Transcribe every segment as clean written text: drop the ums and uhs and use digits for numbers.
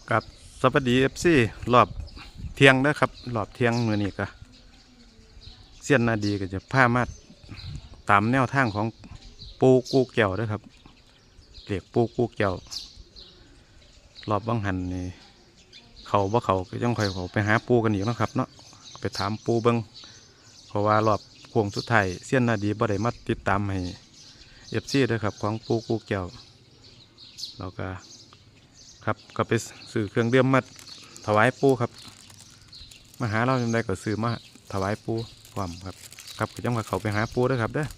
กับสวัสดีFCรอบเที่ยงนะครับรอบเที่ยงมื้อนี้ก็เสี้ยนนาดีก็จะพามาตามแนวทางของปูกูแก้วนะครับเรียกปูกูแก้วรอบบังหันนี่เขาบ่เขาก็ยังค่อยเขาไปหาปูกันอีกเนาะครับเนาะไปถามปูเบิ่งเพราะว่ารอบโค้งสุดท้ายเสี้ยนนาดีบ่ได้มาติดตามให้ FC ด้วยครับของปูกูแก้วเราก็ครับก็ไปซื้อเครื่องดื่มมาถวายปูครับมาหาเราจำได้ก็ซื้อมาถวายปูความครับครับก็จังว่าเขาไปหาปูด้วยครับเด้อ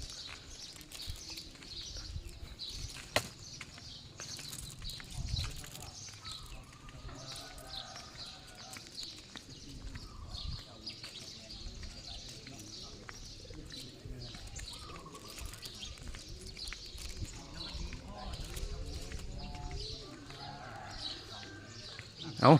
เอา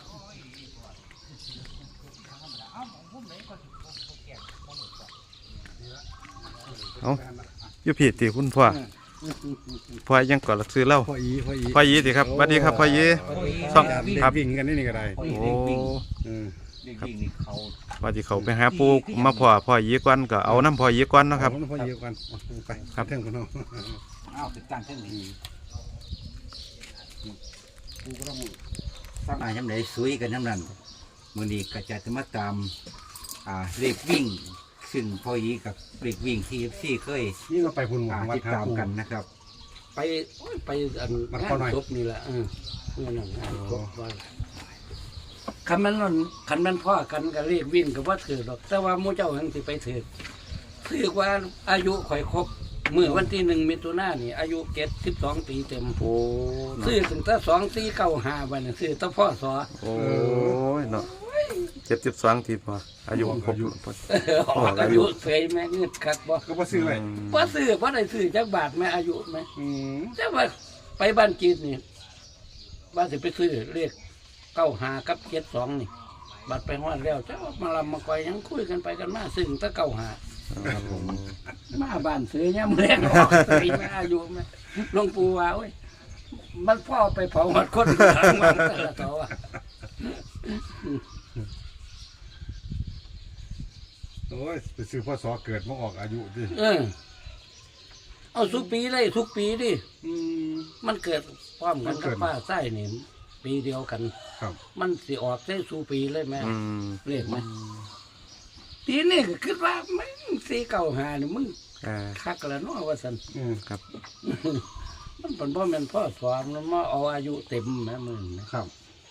อยู่ผิดที่คุณพ่อยังก่อนซื้อเหล้าพ่อยีสิครับสวัสดีครับพ่อยีซ่องครับวิ่งกันนี่ก็ได้โอ้ครับว่าที่เขาไปหาปูมาพ่อยีก่อนก็เอาน้ำพ่อยีก่อนนะครับพ่อยีก่อนไปครับเท่งคนน้องอ้าวติดตั้งเท่งนี้ปูก็ต้องตั้งย้ำไหนสวยกันย้ำนั้นมือนี้ก็จะมาตามเลขวิ่งซึ่งพ่อยีกับเลขวิ่งที่ซี่เคยนี่ก็ไปพุ่นหวังวัดติดตามกันนะครับไปอันงานศพนี่แหละเมื่อนั้นงานศพว่าคันมันพ่อกันก็เรียกวิ่งกับว่าถือหรอกแต่ว่ามู่เจ้าหังสิไปถือว่าอายุข่อยครบเมื่อวันที่1 มิถุนายนนี่อายุ72 ปีเต็มโอ้ซื้อถึงแต่2495วันซื้อแต่พ่อสอโอ้ยเนาะ72ทีพออายุครบอายุเสยแม่เงินคักบ่ก็บ่ซื้อเลยบ่ซื้อบ่ได้ซื้อจักบาทแม่อายุแม่แต่ว่าไปบ้านจีนนี่ว่าสิไปซื้อเรียก95กับ72นี่บัดไปฮอดแล้วเจ้ามาลำมาก่อยยังคุยกันไปกันมาซึ่งแต่95 ครับผมมาบ้านซื้อย่ำแรงออกเสยแม่อายุแม่หลวงปู่ว่าโอ้ยมันพ่อไปเผาหมดคนทางวันแต่ละตัวโอ้ยไปซื้อพ่อสอเกิดมาออกอายุดิเอาทุกปีเลยทุกปีดิมันเกิดพร้อมกันกับป้าไส้นี่ปีเดียวกันครับมันสิออกได้สู่ปีเลยแม่เรียกไหมทีนี้ก็คิดว่ามึง495นี่มึงคักแล้วเนาะว่าสันครับมันเป็นพ่อแม่นพ่อสอนมันมาเอาอายุเต็มแม่มึงครับ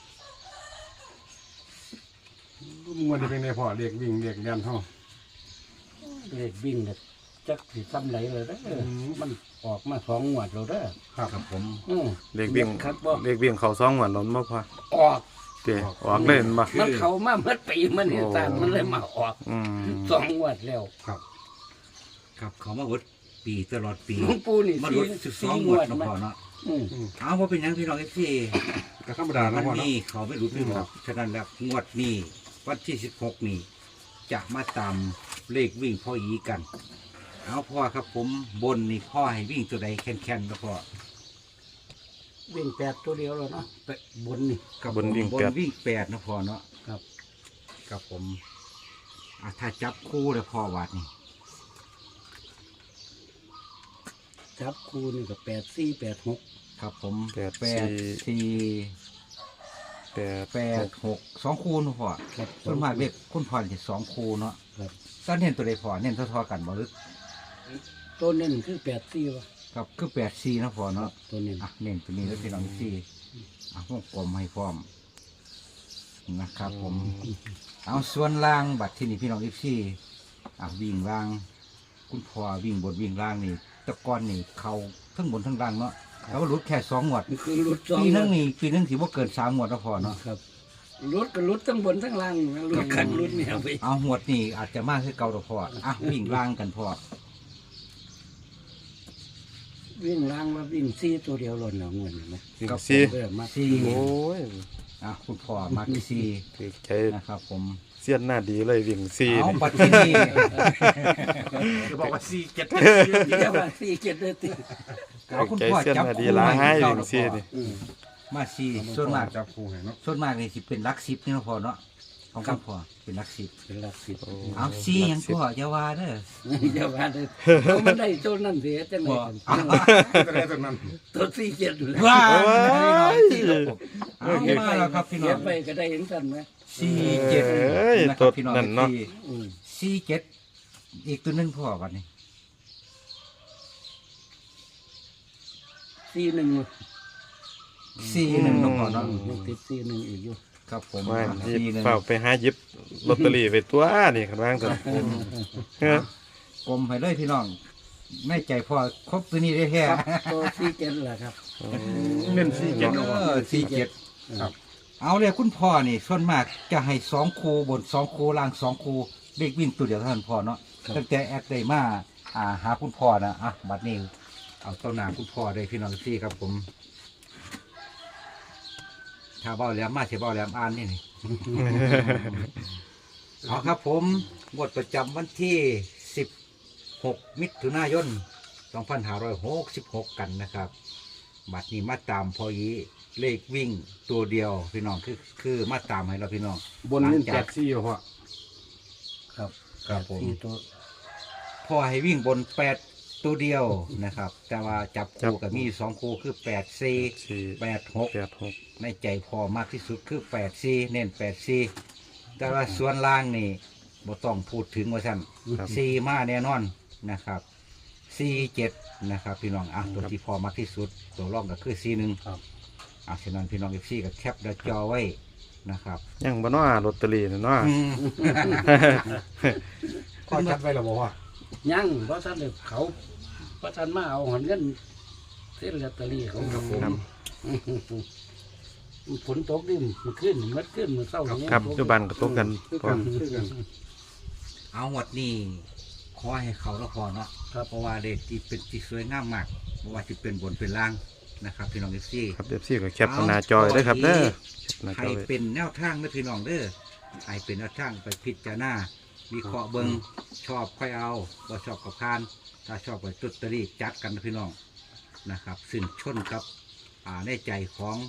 มันจะเป็นในพ่อเรียกวิ่งเรียกยันเท่าเรียกวิ่งเนี่ยจักสิซ้ำไหลเลยนะมันออกมา2 งวดแล้วเด้อครับผมเรียกวิ่งเขา2 วันล้นบ่พอออกเตะออกเล่นบ่มันเข้ามาเมื่อปีมันนี่ตามมันเลยมาออก2 งวดแล้วครับเขามาวัดปีตลอดปีหลวงปู่นี่มาวัด12 งวดเนาะพ่อเนาะเอาว่าเป็นยังพี่น้องที่ก็ธรรมดานะพ่อนี่เขาไม่รู้เรื่องหรอกฉะนั้นแล้วงวดนี้วันที่16นี่จะมาตามเลขวิ่งพ่อยีกันเอาพ่อครับผมบนนี่พ่อให้วิ่งตัวใดแข็งๆนะพ่อวิ่ง8ตัวเดียวแล้วเนาะบนนี่กับบนวิ่ง 8นะพ่อเนาะครับผมถ้าจับคู่เลยพ่อวัดนี่จับคู่นี่ก็8486 ครับผม8486 2 คู่นะพ่อส่วนมากเด็กคุณพ่อจะ2 คู่เนาะตอนเน้นตัวใดพ่อเน้นเท่ากันบ่หรือตัวเน้นคือ84วะครับคือ84นะพ่อเนาะตัวเน้นเน้นตัวนี้แล้วพี่น้องที่วงกลมให้พร้อมนะครับผมเอาส่วนล่างบัตรที่นี่พี่น้องที่วิ่งล่างคุณพ่อวิ่งบนวิ่งล่างนี่ตะกอนนี่เขาทั้งบนทั้งล่างเนาะแล้วก็รุดแค่2 งวดปีนึงถือว่าเกิน3 งวดแล้วพอเนาะครับรุดก็รุดทั้งบนทั้งล่างรุดกันรุดเนี่ยไปเอางวดนี่อาจจะมากขึ้นเก่าแล้วพอวิ่งล่างกันพอวิ่งล่างมาวิ่ง4ตัวเดียวหล่นเอาเงินนะกับ 4 โอ้ยคุณพ่อมา4 ถือใจนะครับผมเสี้ยนหน้าดีเลยวิ่ง4 เอาปัจจุบันบอกว่า4 7เดี๋ยวว่า4 7เลยติคุณพ่อจับดีล้างให้วิ่ง4นี่มาสี่ส่วนมากจับคู่ให้เนาะส่วนมากนี่สิเป็นหลัก10นี่เนาะพ่อเนาะของคุณพ่อเป็นหลัก10 เป็นหลักสิบเอาสี่หยังพ่ออย่าว่าเด้ออย่าว่าเลยเอามันได้ตัวนั้นเสียจังไงกันตัวใดตัวนั้นตัวสี่เจ็ดอยู่แล้วว้าว้ายเอามาแล้วครับพี่น้เก็อบ งไปก็ได้เห็นกันไหม 47 เอ้ยนะครับพี่น้องนั่นเนาะอืม 47อีกตัวหนึงพ่อบัดนี้สี่หนึ่ง 41เนาะพ่อเนาะยังติดสี่หนึ่งอีกอยู่ครับผมว่า 41 เฝ้าไปหาหยิบลอตเตอรี่ไปตัวนี่คันว่างซั่นเฮ้อกลมให้เลยพี่น้องแม่ใจพ่อครบตัวนี้ได้แท้ครับตัวสี่เจ็ดแหละครับเน้นสี่เจ็ดเนาะ 47 ครับเอาเลยคุณพ่อนี่ส่วนมากจะให้2คู่บน2คู่ล่าง2คู่เลขวิ่งตัวเดียวเท่านั้นพ่อเนาะตั้งแต่แอดได้มาหาคุณพ่อนะบัดนี้เอาต้นหนาคุณพ่อได้พี่น้องที่ครับผมถ้าเบ้าแหลมมาเสียเบ้าแหลมอ่านนี่ เอาครับผมงวดประจำวันที่ 16 มิถุนายน 2566 กันนะครับบัดนี้มาตามพอยีเลขวิ่งตัวเดียวพี่น้องคือมาตามให้เราพี่น้องบนเน้น8 4พ่อครับครับผมสี่ตัวพอให้วิ่งบน8ตัวเดียวนะครับ แต่ว่าจับคู่กับมี2คู่คือ8 4 4 8 6 8 6 ในใจพอมากที่สุดคือ8 4เน้น8 4แต่ว่าส่วนล่างนี่บ่ต้องพูดถึงว่าซั่นครับ 4มาแน่นอนนะครับ4 7นะครับพี่น้องตัวที่พอมากที่สุดตัวรองก็คือ4 1 ครับฉะนั้นพี่น้องFCก็แคปหน้าจอไว้นะครับยังบ่เนาะลอตเตอรี่น่ะเนาะพ่อจัดไว้แล้วบ่พ่อยังเพราะท่านเด็กเขาเพราะท่านมาเอาหันเงินเส้นลอตเตอรี่ของครับผมครับฝนตกดิมันขึ้นมันขึ้นมันเศร้าอย่างเงี้ยครับปัจจุบันก็ตกกันคือพอกันคือกันเอาหมดนี่ขอให้เขาแล้วพอเนาะเพราะว่าเด็กที่เป็นที่สวยงามมากเพราะว่าที่เป็นบนเป็นล่างนะครับพี่น้องFC ครับ FC ก็แคปหน้าจอไว้เด้อครับเด้อแคปหน้าจให้อไว้เป็นแนวทางนะพี่น้องเด้อให้เป็นแนวทางไปพิจารณาวิเคราะห์เบิงชอบค่อยเอาบ่ชอบกับพาน ถ้าชอบไปตุตตรีจัดกันนะพี่น้องนะครับซึ่งชนกับในใจของ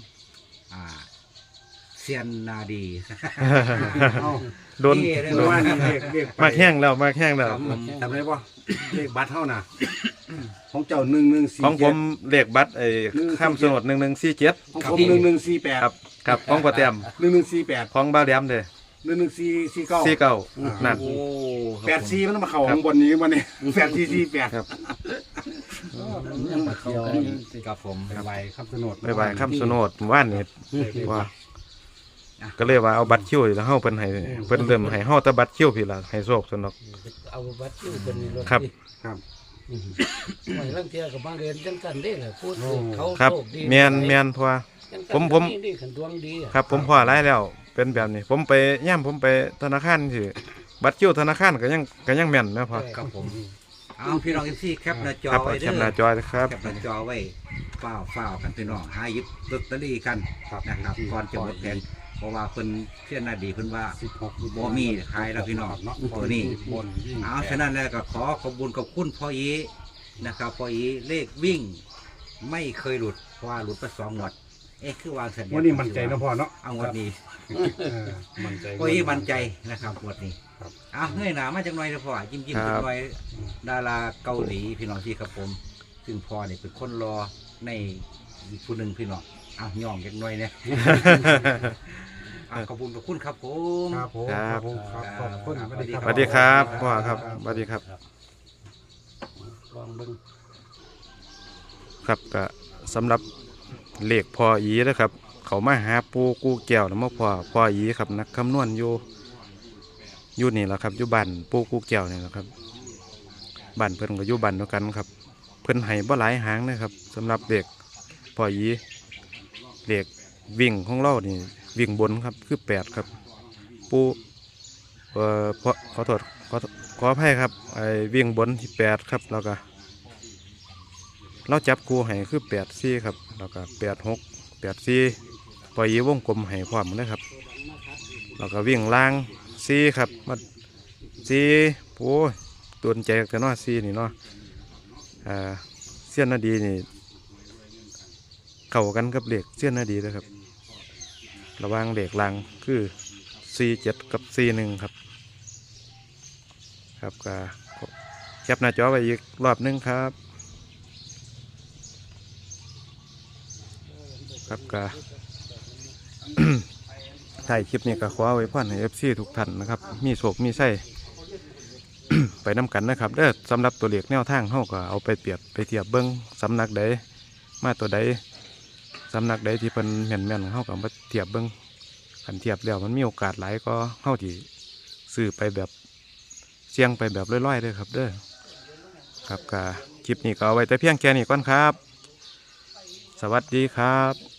เซียนนาดีเอาโดนนี่เมื่อวานนี้เลขไปมากแห้งแล้วมากแห้งแล้วจำได้ป่ะเลขบัตรเท่าน่ะของเจ้า1 1 4 ของผมเลขบัตรข้ามสนด1147 ของผม1148 ครับครับของพ่อแต้ม 1148 ของบ้าวแหลมเด้อ 1149 49นั่นโอ้ 84มันมาเข้าข้างบนนี้วันนี้8448 ครับยังมาเขากันกับผมไปครับสนดบ๊ายบายคำสนดว่านนี่ว่าก็เลยว่าเอาบัตรคิวแล้วเฮาเพิ่นให้เพิ่นเริ่มให้เฮาแต่บัตรคิวพี่ล่ะให้โชคสนอกเอาบัตรอยู่เป็นในรถครับครับไม่ลังเทียกับมาเรียนจังกันได้แหละพูดเขาครับโชคดีแม่นเพราะว่า ผมดีขันดวงดีอะครับผมพอหลายแล้วเป็นแบบนี้ ผมไปย่ามผมไปธนาคารสิบัตรคิวธนาคารก็ยังแม่นนะพ่อกับผมเอาพี่น้องFCแคปหน้าจอครับไว้เอาแคเด้ปหน้าอจอนะครับแคปหน้าจอไว้ฝ้าวกันพี่น้องหาหยิบลอตเตอรี่กันนะครับก่อนจะหมดแผนเพราะว่าเพิ่นเชื่อหน้าดีเพิ่นว่า 16 บ่มีขายแล้วพี่น้องตัวนี้บนวิ่งเอาฉะนั้นแล้วก็ขอขอบคุณขอบคุณพ่ออีนะครับพ่ออีเลขวิ่ง ไม่เคยหลุดเพราะว่าหลุดไป2 งวดคือวางสัญญาวันนี้มั่นใจนะพ่อเนาะเอางวดนี้มั่นใจพ่ออีมั่นใจนะครับงวดนี้ครับเอาเงยหน้ามาจังหน่อยนะพ่อยิ้มๆจังหน่อยดาราเกาหลีพี่น้องที่ครับผม ซึ่งพ่อเนี่ยเป็นคนรอในอีกผู้หนึ่งพี่น้องเอาย่องจังหน่อยเนี่ย ขอบคุณครับผมครับผมครับผมครับขอบคุณสวัสดีครับพ่อครับสวัสดีครับลองเบิ่งครับก็สำหรับเลขพ่ออีนะครับ เขามาหาปูกูแก้วนะมาพ่ออีครับนักคำนวณอยู่นี่แหละครับอยู่บ้านปูกูแก้วนี่แหละครับบ้านเพิ่นก็อยู่บ้านเดียวกันครับ เพิ่นให้บ่หลายหางนะครับสำหรับเลขพ่ออีเลขวิ่งของเรานี่วิ่งบนครับคือ8ครับปูขอโทษขออภัยครับไอ้วิ่งบนที่8ครับแล้วก็เราจับคู่ให้คือ84ครับแล้วก็86 84ปล่อยวงกลมให้พร้อมนะครับแล้วก็วิ่งล่าง4ครับมา4โอ้ยตัวใจแต่น้อ4นี่เนาะเสี้ยนนาดีนี่เข้ากันกับเลขเสี้ยนนาดีเลยครับระหว่างเลขลางคือ47กับ41ครับครับก็แคปหน้าจอไว้อีกรอบหนึงครับครับก็ ถ่ายคลิปนี้ก็ขอไว้พ่อนให้ FC ทุกท่านนะครับมีโศกมีไส้ ไปน้ำกันนะครับเด้อสำหรับตัวเลขแนวทางเขาก็เอาไปเปรียบไปเทียบเบิ้งสำนักใดมาตัวใดสำนักใดที่เป็นแม่นๆเขาก็มาเทียบเบิ้งขันเทียบแล้วมันมีโอกาสหลายก็เขาที่ซื้อไปแบบเสี่ยงไปแบบร้อยๆเด้อครับเด้อครับก็คลิปนี้ก็เอาไว้แต่เพียงแค่นี้ก่อนครับ สวัสดีครับ